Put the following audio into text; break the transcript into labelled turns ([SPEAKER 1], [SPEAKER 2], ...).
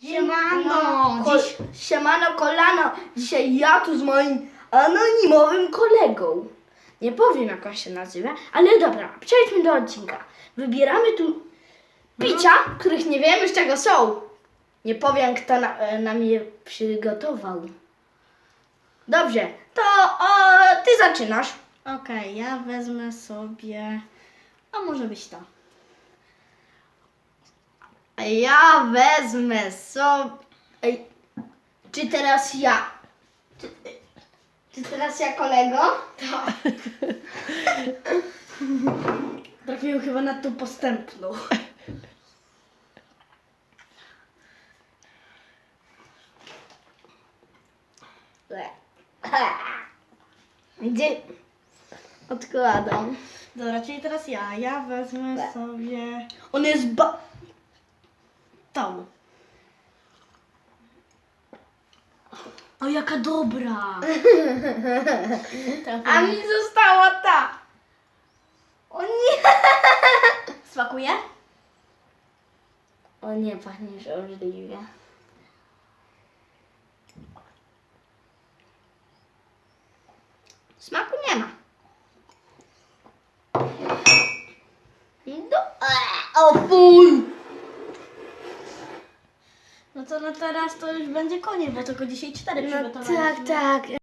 [SPEAKER 1] Siemano!
[SPEAKER 2] Siemano kolano. Dzisiaj ja tu z moim anonimowym kolegą. Nie powiem jak on się nazywa, ale dobra, przejdźmy do odcinka. Wybieramy tu picia, których nie wiemy z czego są. Nie powiem kto nam je przygotował. Dobrze, to ty zaczynasz.
[SPEAKER 1] Okej, ja wezmę sobie... A może być to.
[SPEAKER 2] Ja wezmę sobie... Ej, czy teraz ja? Czy teraz ja kolego? Tak. Trafiłem chyba na tą postępną. Gdzie? Odkładam.
[SPEAKER 1] Dobra, czyli teraz ja. Ja wezmę sobie
[SPEAKER 2] On jest
[SPEAKER 1] tą.
[SPEAKER 2] O, jaka dobra!
[SPEAKER 1] Trafiłem.
[SPEAKER 2] A mi została ta! O nie!
[SPEAKER 1] Smakuje?
[SPEAKER 2] O nie, pachniesz obrzydliwie. Smaku nie ma. O fuj!
[SPEAKER 1] No to na teraz to już będzie koniec, bo tylko dzisiaj 4
[SPEAKER 2] No
[SPEAKER 1] przygotowaliśmy.
[SPEAKER 2] tak, tak.